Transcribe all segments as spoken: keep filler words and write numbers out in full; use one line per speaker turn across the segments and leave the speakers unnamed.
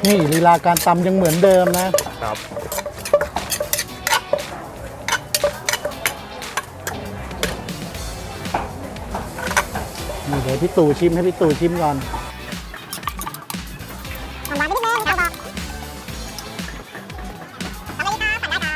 นี่ลีลาการตำยังเหมือนเดิมนะครับนี่เดี๋ยวพี่ตู่ชิมให้พี่ตู่ชิมก่อน
หวานไปนิดนึงครับบอกทำได้ครับทำได้ครับ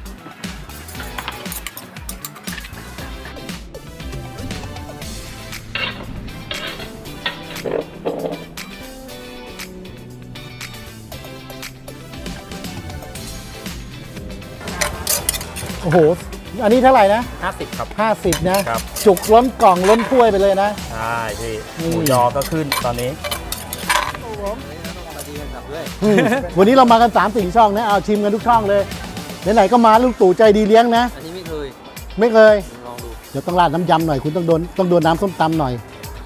โอ้โหอันนี้เท่าไหร่นะ
ห้าสิบครับ
ห้าสิบนะครับจุกล้นกล่องล้นถ้วยไปเลยนะ
ใช่พี่หมูยอก็ขึ้นตอนนี้
วันนี้เรามากันสามสี่ช่องนะเอาชิมกันทุกช่องเลยไหนๆก็มาลุงตู่ใจดีเลี้ยงนะ
อันนี้ไม่เคย
ไม่เคย
ลองดู
เดี๋ยวต้องราดน้ำยำหน่อยคุณต้องโดนต้องโดนน้ำส้มตำหน่อย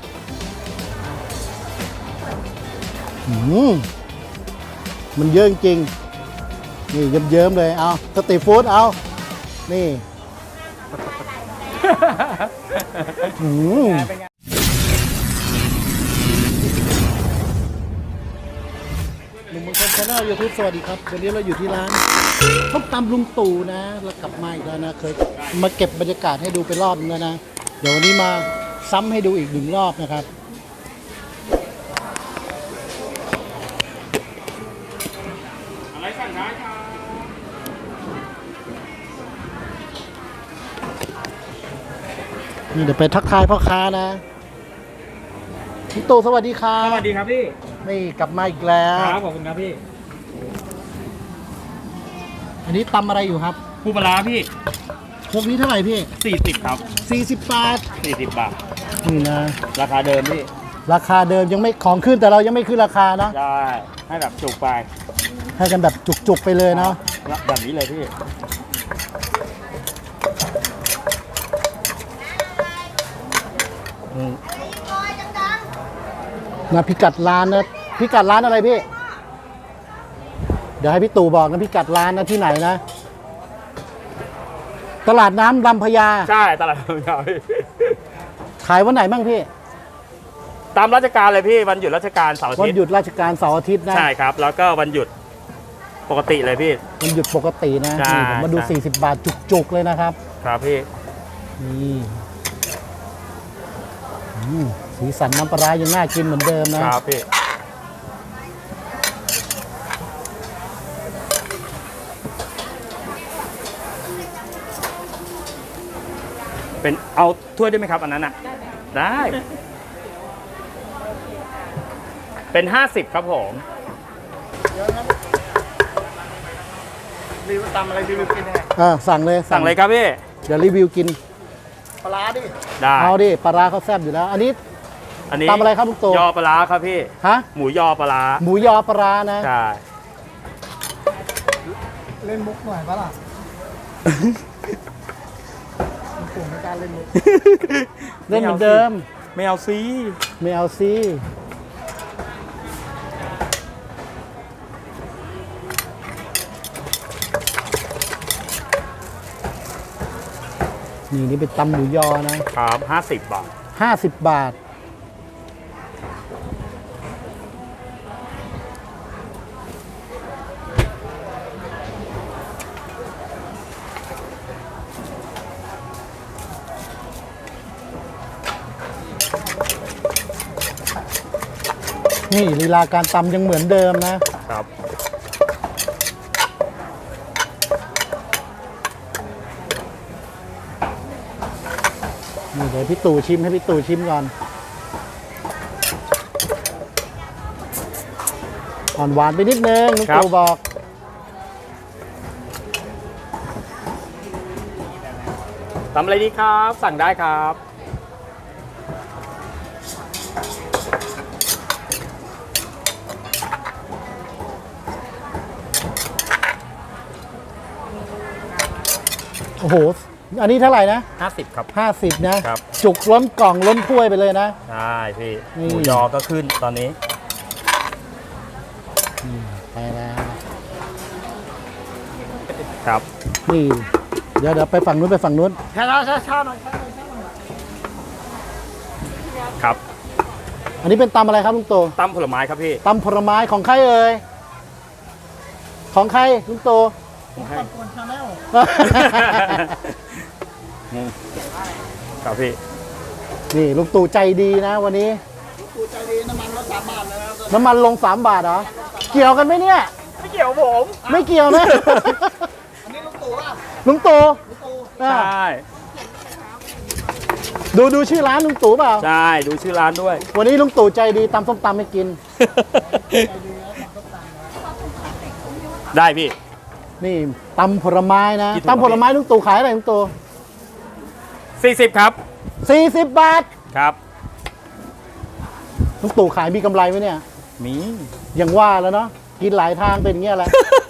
อืมมันเยอะจริงนี่เยิ้มๆเลยเอาสตรีทฟู้ดเอานี่อืมหนุ่มบางคนชาแนลยูทูบสวัสดีครับวันนี้เราอยู่ที่ร้านส้มตำลุงตู่นะเรากลับมาอีกแล้วนะเคยมาเก็บบรรยากาศให้ดูไปรอบนึงแล้วนะเดี๋ยววันนี้มาซ้ำให้ดูอีกหนึ่งรอบนะครับ
อะไรสั่งได้ครับ
นี่เดี๋ยวไปทักทายพ่อค้านะพี่ตู่สวัสดีครับ
สวัสดีครับพี่
นี่กลับมาอีกแล้ว
ครับขอบคุณครับพี่
อันนี้ตำอะไรอยู่ครับ
ปูปลาร้าพี่
พวกนี้เท่าไหร่พี่
สี่สิบครับ
สี่สิบบาท
สี่สิบบาท
นี่นะ
ราคาเดิมพี่
ราคาเดิมยังไม่ของขึ้นแต่เรายังไม่ขึ้นราคานะ
ได้ให้แบบจุกไป
ให้กันแบบจุกๆไปเลยเนาะ
แบบนี้เลยพี่
นะพิกัดร้านนะพิกัดร้านอะไรพี่เดี๋ยวให้พี่ตู่บอกนะพิกัดร้านนะที่ไหนนะตลาดน้ำลำพญา
ใช่ตลาดลำพญาพี่
ขายวันไหนบ้างพี่
ตามราชการเลยพี่วันหยุดราชการเสาร์อาทิตย์
วันหยุดราชการเสาร์อาทิตย์นะ
ใช่ครับแล้วก็วันหยุดปกติเลยพี่
วันหยุดปกตินะนี่ผมมาดูสี่สิบบาทจุกๆเลยนะครับ
ครับพี่
นี่สีสันน้ำปลายังน่ากินเหมือนเดิมนะครับ
พี่เป็นเอาถ้วยได้ไหมครับอันนั้นอ่ะได้เป็นห้าสิบครับผม
รีวิวตำอะไรรีวิวกินยังไง
อ่าสั่งเลย
สั่งเลยครับพี่
เดี๋ยวรีวิวกิน
ปลาดิ
ได้
เอาดิปลาเขาแซ่บอยู่แล้วอันนี้
อันนี้
ตำอะไรครับลุงตู่
ยอปลาครับพี่
ฮะ
หมูยอปลา
หมูยอปลานะ
ใช่
เล่นมุกหน่อยปะล่ะลุงตู่ไม่กล้าเล่นมุก
เล่นเหมือนเดิม
ไม่เอาซี
ไม่เอาซีนี่นี่เป็นตำหมูยอนะครับ
ห้าสิบบาท
ห้าสิบบาทนี่ลีลาการตำยังเหมือนเดิมนะครับนี่เดี๋ยวพี่ตู่ชิมให้พี่ตู่ชิมก่อนอ่อนหวานไปนิดนึงลุงตู่บอก
ทำอะไรดีครับสั่งได้ครับ
โอ้โหอันนี้เท่าไหร่นะ
ห้าสิบครับ
ห้าสิบนะครับจุกล้นกล่องล้นถ้วยไปเลยนะ
ใช่พี่หมูยอก็ขึ้นตอนนี้
ไปแล้ว
ครับ
นี่เดี๋ยวเดี๋ยวไปฝั่งนู้นไปฝั่งนู้น
ช้าช้าช้าช้าหน่อย
ครับ
อันนี้เป็นตำอะไรครับลุงโต
ตำผลไม้ครับพี่
ตำผลไม้ของใครเอ่ยของใครลุงตู่
ของใคร
กวนชาแนล
อืมครับพี่
นี่ลุงตู่ใจดีนะวันนี้
กูใจดีน้ำมันรถสามบาทเลยนะ
น้ำมันลงสามบาทเหรอ เกี่ยวกันไหมเนี่ย
ไม่เกี่ยวผม
ไม่เกี่ยวนะ
อันนี้ลุงตู่อ่ะ
ลุงตู่
ลุงตู่
ใช
อ่ะ
่
ดูดูชื่อร้านลุงตู่เปล่า
ใช่ ดูชื่อร้านด้วย
วันนี้ลุงตู่ใจดีตำส้มตำให้กิน
ได้พี่
นี่ตำผลไม้นะ
กี่ถุงครับ
ตำผลไม้ลุงตู่ขายอะไรลุงตู่
สี่สิบครับ
สี่สิบบาท
ครับ
ลุงตู่ขายมีกำไรไหมเนี่ย
มี
อย่างว่าแล้วเนาะกินหลายทางเป็นอย่างเงี้ยแหละ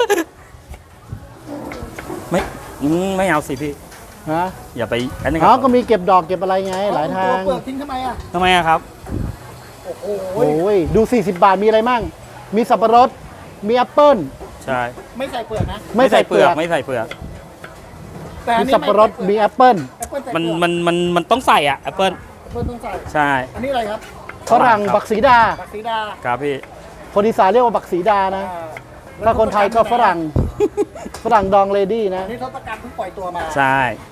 ไม่อืมไม่เอาสิพี่
ฮะ
อย่าไปอันนี้ค
เขา
รับ
ก็มีเก็บดอกเก็บอะไรไง หลายทาง
เปลือกทิ้งทำไมอ่ะ
ทำไมอะครับ
โอ้โห
โอ้ยดู สี่สิบบาทมีอะไรมั่ง มีสับปะรด มีแอปเปิ้ล
ใช่
ไม่ใส่เปลือกนะ
ไม่ใส่เปลือก
ไม่ใส่เปลือก
แต่อัน
มี
นี้
สับปะรด มีแอปเปิ้ล
แอปเปิ้ลใส่
มัน
เปลือก
มันมันมันต้องใส่อ่ะแอปเปิล
แอปเปิ้ลต้องใส่
ใช่
อันนี้อะไรครับ
ฝรั่ง
ครับ
บักสีดา
บักสีดา
ครับพี่
คนอีสานเรียกว่าบักสีดานะ
อ่า
ถ้าคนไทยก็ฝรั่ง ฝรั่งดองเลดี้นะ
อันนี้ทศกัณฐ์เพิ่งปล่อยตัวมา
ใช่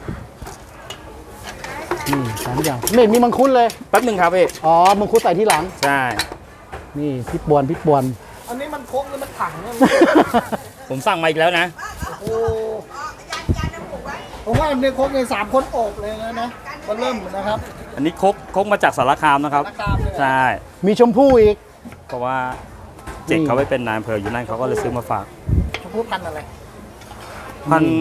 นี่สามอย่างไม่เห็นมีมังคุดเลย
แป๊บหนึ่งครับพี่
อ๋อ มังคุดใส่ที่หลัง
ใช่
นี่พี่ปวนพี่ปวน
อันนี้มันโค้งหรือมันถังเนี่ย
ผมสั่งมาอีกแล้วนะ
โอ้ผมว่าในโค้งในสามคนโอบเลยนะนะก็เริ่มนะครับ
อันนี้คกคกมาจากสารคามนะครับ
ราคาเลย
ใช่
มีชมพู่อีก
เพราะว่าเจ็กเขาไปเป็นนายอำเภออยู่นั่นเขาก็เลยซื้อมาฝาก
ชมพู่พันธุ์อะไร
พัน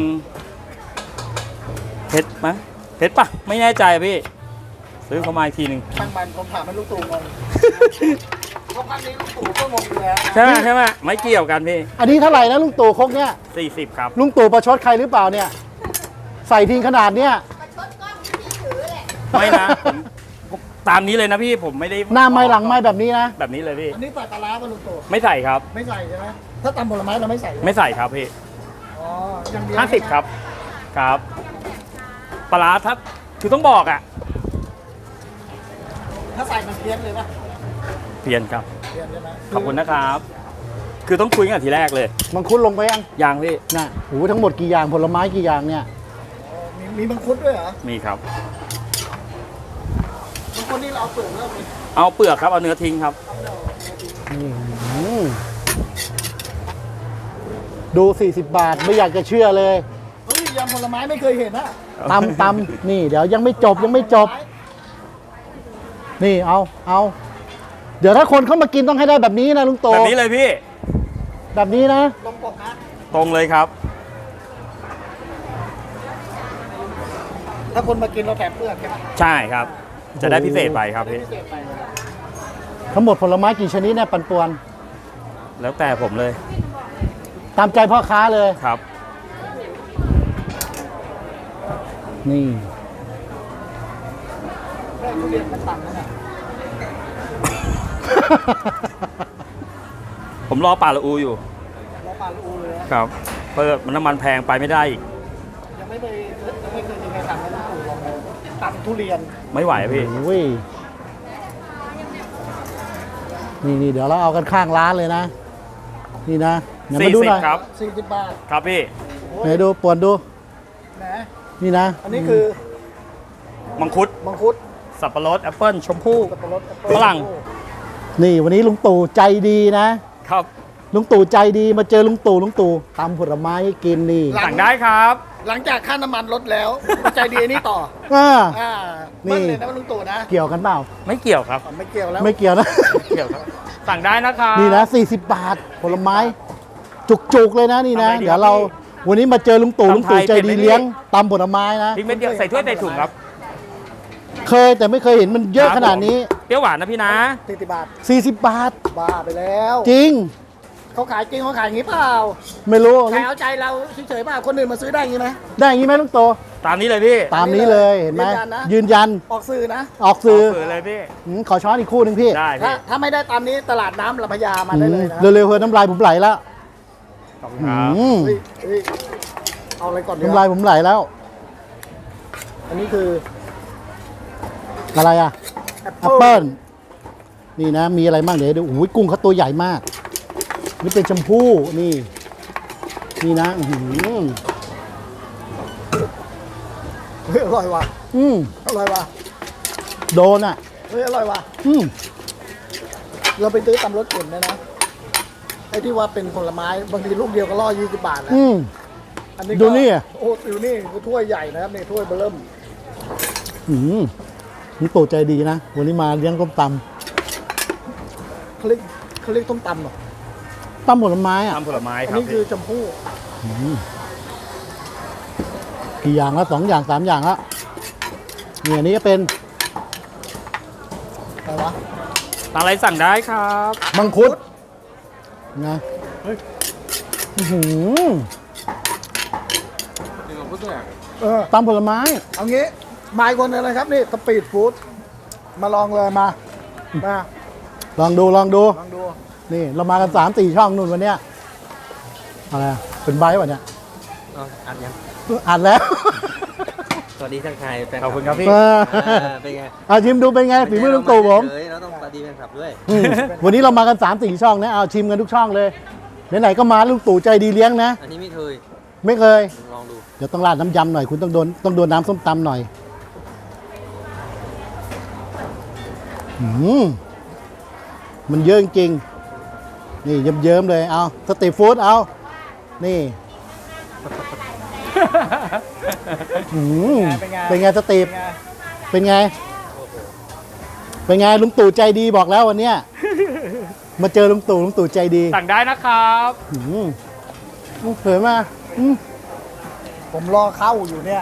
เพชรไหมเพชรปะไม่แน่ใจพี่ ซื้อเขามาอีกทีหนึ่ง
ช่างมันผมถามให้ลูกตู่งงเพราะพันธุ์นี้ลูกตู่ก็งงอยู่แล้ว
ใช่ไหมใช่ไหมไม่เกี่ยวกันพี่
อันนี้เท่าไหร่นะลุงตู่ครกเนี่ย
สี่สิบครับ
ลุงตู่ประชดใครหรือเปล่าเนี่ย ใส่ทิ้งขนาดเนี้ย
ไม่นะผมผมตามนี้เลยนะพี่ผมไม่ได้
หน้าไม้หลังไม้แบบนี้นะ
แบบนี้เลยพี่
อันนี้ใส่ปลาร้าป่ะลูกตู่
ไม่ใส่ครับ
ไม่ใส่ใช่ไหมถ้าตำผลไม้เราไม่ใส่
ไม่ใส่ครับพี่
อ๋ออย่างเดียว
ห้าสิบครับ ครับปลาร้าถ้าคือต้องบอกอ่ะ
ถ้าใส่มันเพี้ยนเลยป่ะ
เปลี่ยนครับ
เพี้ยนใช่ไหม
ขอบคุณนะครับ คือต้องคุยกันทีแรกเลย
มังคุดลงไปยัง
ยังพี่
น่ะโหทั้งหมดกี่อย่างผลไม้กี่อย่างเนี่ย
อ๋อมีมีมังคุดด้วยเหรอ
มีครับ
มังคุดนี่เราเอาเปลือกแล้วมี
เอาเปลือกครับเอาเนื้อทิ้งครับ
อื้อหือดู สี่สิบบาทไม่อยากจะเชื่อเลย
เฮ้ยยำผลไม้ไม่เคยเห็นนะ
ตำตำนี่ เดี๋ยวยังไม่จบยังไม่จบ นี่เอาเอาเดี๋ยวถ้าคนเข้ามากินต้องให้ได้แบบนี้นะลุงโต
แบบนี้เลยพี่
แบบนี้นะ
ลงปกนะ
ตรงเลยครับ
ถ้าคนมากินเราแถมเปลือกใช่ไหม
ใช่ครับ จะได้พิเศษไปครับพี่
พิเศษไปเลย
ทั้งหมดผลไม้กี่ชนิดเนี่ยปันป่วน
แล้วแต่ผมเลย
ตามใจพ่อค้าเลย
ครับ
นี่
ได้ทุเรียนมันต่ำนะเนี่ย
ผมรอปลาละอูอยู่
เราปลาลูเลยนะครับ
เพราะน้ำมันแพงไปไม่ได้อีก
ยังไม่เคยยังไม่เคยมีใครทำให้ลูกตู่ลองเลยตำทุเรียน
ไม่ไหวอะพี่
โอ้ยนี่นี่เดี๋ยวเราเอากันข้างร้านเลยนะ นี่นะไหนมาดูหน่อย
สี่สิบครับ
สี่สิบบาท
ครับพี่
โอ้ย
ไหนดูปวนดู
แหม
นี่นะ
อันนี้คือ
มังคุด
มังคุด
สับปะรดแอปเปิ้ลชมพู่
สับปะรดแอปเปิ้ล
ฝรั่ง
นี่วันนี้ลุงตู่ใจดีนะครับ ลุงตู่ใจดีมาเจอลุงตู่ลุงตู่ตำผลไม้ให้กินนี่
สั่งได้ครับ
หลังจากค่าน้ำมันลดแล้วใจดีอันนี้ต่อ
อ่า
อ่า
นี่
เบิ้ลเลยนะลุงตู่นะ
เกี่ยวกันเปล่า
ไม่เกี่ยวครับ
อ๋อไม่เกี่ยวแล้ว
ไม่เกี่ยวนะ
ไม่เกี่ยวครับ สั่งได้นะครับ
นี่นะสี่สิบบาทผลไม้ จุกๆเลยนะนี่นะ
ทำไงดี
เดี๋ยวเรา
ครับ
วันนี้มาเจอลุงตู่
ตำ
ลุงตู่
ไทย
ใจ
เป็นไหม
ดี
พี่
เลี้ยงตำผลไม้นะ
พริกเม็ดเดียวใส่ถ้วยใส่ถุงครับ
เคยแต่ไม่เคยเห็นมันเยอะขนาดนี้
เปรี้ยวหวานนะพี่นะ
สี่สิบบาท
สี่สิบบาท
บ้าไปแล้ว
จริง
เขาขายจริงเขาขายอย่างนี้เปล่า
ไม่รู้
ขายเอาใจเราเฉยๆเปล่าคนอื่นมาซื้อได้อย่างนี้ไหม
ได้อย่างนี้ไหมลุงตู่
ตามนี้เลยพี่
ตามนี้เลยเห็นไหม
ยืนยันนะ
ยืนยัน
ออกสื่อนะ
ออกสื่อ
เปิดเลยพี่
หืมขอช้อนอีกคู่หนึ่งพี่
ได้
ถ้า
พี่
ถ้าไม่ได้ตามนี้ตลาดน้ำลำพญามาได้เลยนะ
อืมเร็วๆเฮ้ยน้ำลายผมไหลแล้ว
ขอบคุณครับ
อืม
เฮ้ยเฮ้ยเอาอะไรก่อนดี
น้ำลายผมไหลแล้ว
อันนี้คือ
อะไรอ่ะ
แอป
แอปเปิ้ลนี่นะ มีอะไรบ้างเดี๋ยวดูโอ้ยกุ้งเขาตัวใหญ่มาก นี่เป็นชมพู่นี่นี่นะอื้อหือ
เฮ้ยอร่อยว่ะ
อืม
อร่อยว่ะ
โดนอ่ะ
เฮ้ยอร่อยว่ะ
อืม
เราไปซื้อตำรถเข็นนะนะไอ้ที่ว่าเป็นผลไม้บางทีลูกเดียวก็ล่อยี่สิบบาทนะ
อืม
อันนี้ก็
ดูนี่อ่ะ
โอ้ดูนี่คือถ้วยใหญ่นะครับนี่ถ้วยเบอร์เริ่ม
อืมนี่ตู่ใจดีนะ วันนี้มาเลี้ยงต้มต
เขาเรียกเขาเรียกต้มตำเหรอ
ำตำผลไม้อ่ะ
ตำผลไม้
อัน
ครับ
นี้คือชมพู่
กี่อย่างละสองอย่างสามอย่างละเนี่ยอันนี้ก็เป็น
อะไรวะ
ทางอะไรสั่งได้ครับ
มังคุดนะอื้อหือ
เออ
ตำผลไม้
เอางี้มาอีกคนหนึงเลยครับนี่สปีดฟู้ดมาลองเลยมามา
ลองดูลองดู
ลองดู
นี่เรามากันสามสี่ช่องนู่นวันเนี้ยอะไรอะเป็นใบวะเนี่ย
เอาอัดยัง
อ่านแล้ว
สวัสดีทักทายแฟน
ขอบคุณครับพี่
เออ
อ่าเป็นไง
เอาชิมดูเป็นไงฝีมือลุงตู่ผม
เฉยๆเราต้องสวัสดีแฟนคลับด้วย
อืมวันนี้เรามากันสามสี่ช่องนะเอาชิมกันทุกช่องเลยไหนๆก็มาลุงตู่ใจดีเลี้ยงนะ
อันนี้ไม่เคย
ไม่เคย
ลองดู
เดี๋ยวต้องราดน้ำยำหน่อยคุณต้องโดนต้องโดนน้ำส้มตำหน่อยอืมมันเยอะจริงๆนี่เยิ้มๆเลยเอาสตรีทฟู้ดเอานี่อืมเป็นไงสตรีทเป็นไง เป็นไงลุงตู่ใจดีบอกแล้ววันเนี้ยมาเจอลุงตู่ลุงตู่ใจดี
สั่งได้นะครับ
อืมเผยมาอืม
ผมรอเข้าอยู่เนี่ย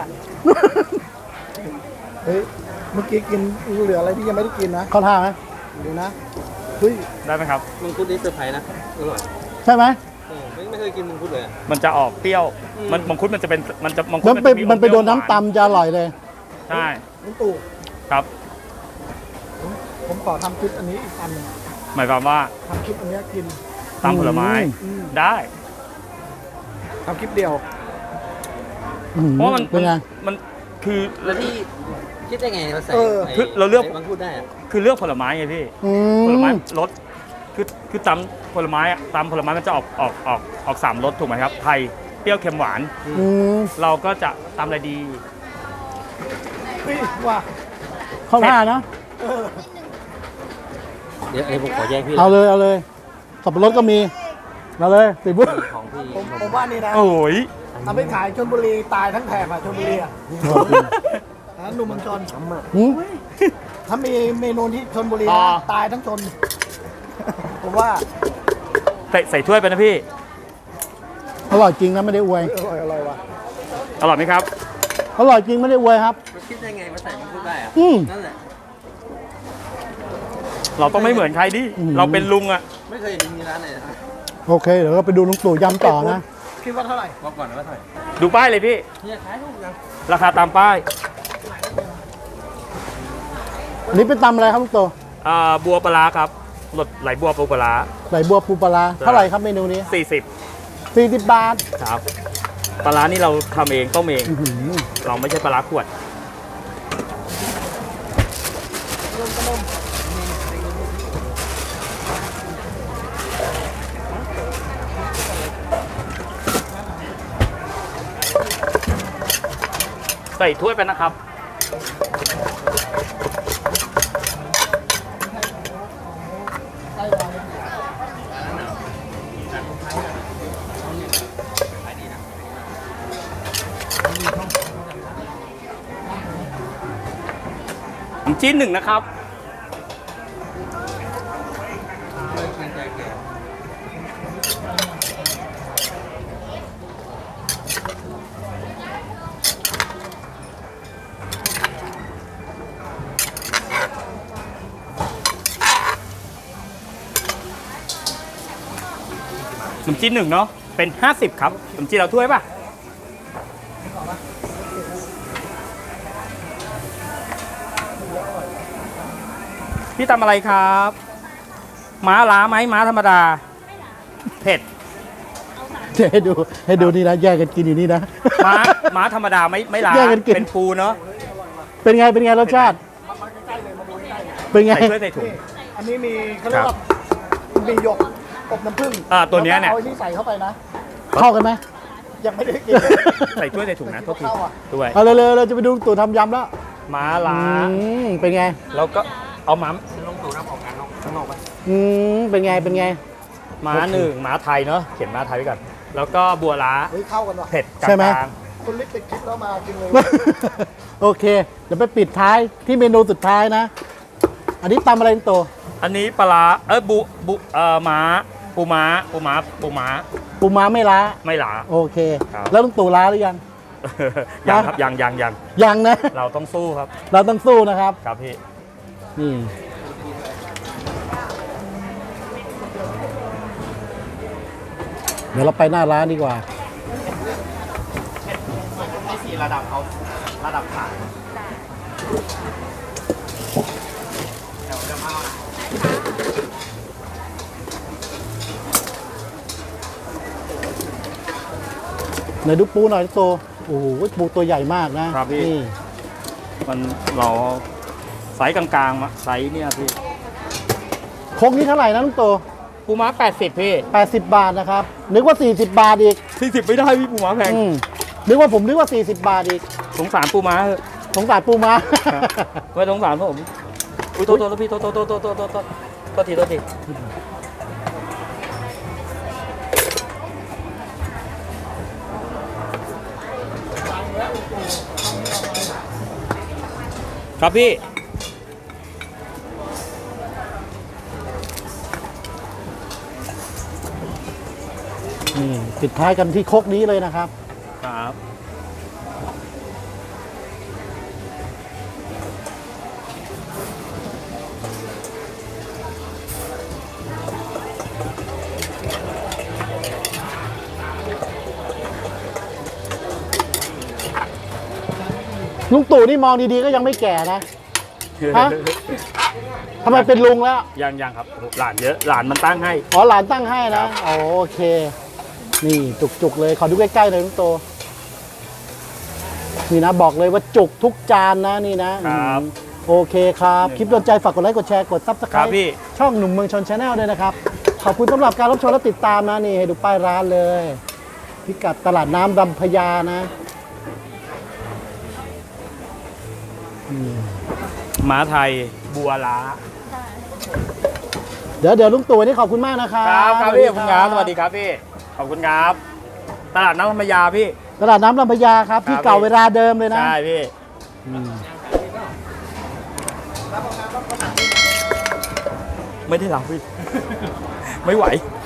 เฮ้ยเมื่อกี้กินเหลืออะไรที่ยังไม่ได้กินนะ
เข้าท่าไหม
ดูนะเฮ้ย
ได้ไหมครับ
มังคุดนี่เซอร์ไพรส์นะอร่อย
ใช่ไหม
เออไม่ไม่เคยกินมังคุดเลยอะ
มันจะออกเปรี้ยว มันมังคุดมันจะเป็น มันจะมังคุด
มันไป
จะ
มันไปโดน
อม
น้ำ
เปรี้ยวหวา
ตำจะอร่อยเลย
ใช่
ลุงตู่
ครับ
ผมขอทำคลิปอันนี้อีกอันหนึง
หมายความว่า
ทำคลิปอันเนี้ยกิน
ตำผลไม้
อืม
ได้
ทำคลิปเดียว
อืม
เพราะว่ามัน
เป็นไง
มันคือ
แล้วที่คิดได้ไงมาใส่
เออ
ไอ้
คือเราเลือก
ไมังคุดได้อะ
คือเลือกผลไม้ไงพี่
อื
ผลไม้
ม
รสคือคือตำผลไม้อะตำผลไม้มันจะออกออกออกออกสามรสถูกไหมครับ ไทย เปรี้ยว เค็ม หวาน
อืม
เราก็จะตำอะไรดี
เฮ้ยว่า
เข้าท่านะ
เดี๋ยวไอ้ผมขอแยกพี่
เอาเลยเอาเลยสับปะรดก็มีเอาเลยติดบุ๊
ของพี่
ผมผมว่านี่นะ
โอ้ย
เอาไปขายชลบุรีตายทั้งแถบอะชลบุรีอะนะหนุ่มเมืองชน
อืม
ถ้ามีเมนูที่ชลบุรี
อ๋อ
นะตายทั้งชน ผมว่า
ใส่ใส่ถ้วยไปนะพี่
อร่อยจริงนะไม่ได้อวย
อร่อยอร่อยว่ะ
อร่อยไหมครับ
อร่อยจริงไม่ได้อวยครับ
มันคิดได้ไงมาใส่มังคุดได้อะ
อืม
นั่นแหละ
เราต้องไม่เหมือนใครดิ
อืม
เราเป็นลุงอะ
ไม่เคยเห็นมีร้านไหนนะ
โอเคเดี๋ยวเราไปดูลุงตู่ยำต่อนะ
คิดว่าเท่าไหร่
บอกก่อนนะว่าเท่าไหร่
ดูป้ายเลยพี่
เนี่ยขายถูกยัง
ราคาตามป้าย
อันนี้เป็นตำอะไรครับลุงตู่
อ่าบัวปลาร้าครับรสไหลบัวปูปลาร้า
ไหลบัวปูปลาร้าเท่าไหร่ครับเมนูนี้
สี่สิบ
สี่สิบบาท
ครับปลาร้านี่เราทำเองต้มเอง
อื้อหือ
เราไม่ใช่ปลาร้าขวด ใส่ถ้วยไปนะครับ ชิ้นหนึ่งนะครับ ขนมจีนหนึ่งเนาะเป็นห้าสิบครับขนมจีนเราถ้วยป่ะ พี่ทำอะไรครับ ม้าล้าไหมม้าธรรมดา เผ็ด
เดี๋ยวให้ดูให้ดูนี่นะแยกกันกินอยู่นี่นะ
ม้าม้าธรรมดาไม่ไม่ล้า
แยกกันกิน
เป็นปูเนาะ
เป็นไงเป็นไงรสชาติ เป็นไง
ใส่ถ้วยใส่ถุง
อันนี้มีเขาเรียกว่ามีหยกอบน้ำผึ้ง
อ่าตัวเนี้ยเนี่ย
อาไอ้นี่ใส่เข้าไปนะ
เข้ากันไหม
ยังไม่ได้กิน
ใส่ถ้วยใส่ถุงนะโทษที
เข้าอ่ะ
ด้วย
เอาเร็วๆเราจะไปดูลุงตู่ทำยำแล้ว
ม้าล้า
อืมเป็นไง
แล้วก็เอาม้า
ลงตู่น้ำของงานข้างนอกปะ
อืมเป็นไงเป็นไง
ม้าหนึ่งม้าไทยเนาะเขียนม้าไทยไว้ก่อนแล้วก็บัวล้า
เฮ้ยเข้ากันว่ะ
เผ็ดกล
ใช่ไหม
าง
คุณลิกติดคลิปแล้วมากินเลย
โอเค เดี๋ยวไปปิดท้ายที่เมนูสุดท้ายนะ อันนี้ตำอะไรลุงตู่
ๆอันนี้ปลาร้าเอ้ยบุบุเอ่อม้าปูม้าปูม้าปูม้า
ปูม้าไม่ล้า
ไม่หลา
โอเค
ครับ
แล้วลุงตู่ล้าหรือยัง
ยังครับยังยังยัง
ยังนะ
เราต้องสู้ครับ
เราต้องสู้นะครับ
ครับพี่
นี่ เดี๋ยวเราไปหน้าร้านดีกว่า
ให้สี่ระดับเขาระดับขาย
ไหนดูปูหน่อยลุงตู่โอ้โหปูตัวใหญ่มากนะครับ
พี่
นี่
มันเราไซส์กลางๆมาไซส์เนี่ยพี่
โคกนี้เท่าไหร่นะลุงตู่
ปูม้าแปดสิบพี่
แปดสิบบาทนะครับ นึกว่า สี่สิบบาทอีก
สี่สิบไม่ได้พี่ปูม้าแพง
อืมนึกว่าผมนึกว่า สี่สิบบาทอีก
สงสารปูม้าเถอะ
สงสารปูม้า
ไม่สงสารผมอุ้ยโทษโทษพี่โทษโทษโทษโทษโทษโทษโทษโทษทีโทษทีครับพี่
นี่ปิดท้ายกันที่โคกนี้เลยนะครับ
ครับ
ลุงตู่นี่มองดีๆก็ยังไม่แก่นะ ฮะ ทำไมเป็นลุงแล้ว
ยังยังครับหลานเยอะหลานมันตั้งให้
อ๋อหลานตั้งให้
ครั
นะ
บ
อ๋อโอเค นี่จุกๆเลย ขอดูใกล้ๆหน่อยลุงตู่นี่นะบอกเลยว่าจุกทุกจานนะนี่นะครับ โอเคครับ คลิปโดนใจฝากกดไลค์กดแชร์กดซับสไค
ค
ร
รับ
ต์
พี่
ช่องหนุ่มเมืองชนชาแนลด้วยนะครับ ขอบคุณสำหรับการรับชมและติดตามนะนี่ให้ดูป้ายร้านเลย พิกัดตลาดน้ำลำพญานะ
ม้าไทยบัวล้า
เดี๋ยวเดี๋ยวลุงตู่วันนี้ขอบคุณมากนะครับ
ครับครับพี่ขอบคุณครับสวัสดีครับพี่ขอบคุณครับ ตลาดน้ำธรรมยาพี่
ตลาดน้ำลำพญาครับ ที่
ครับ
เก่าเวลาเดิมเลยนะ
ใช่พี่
อืม
ไม่ได้หลังพี่ ไม่ไหว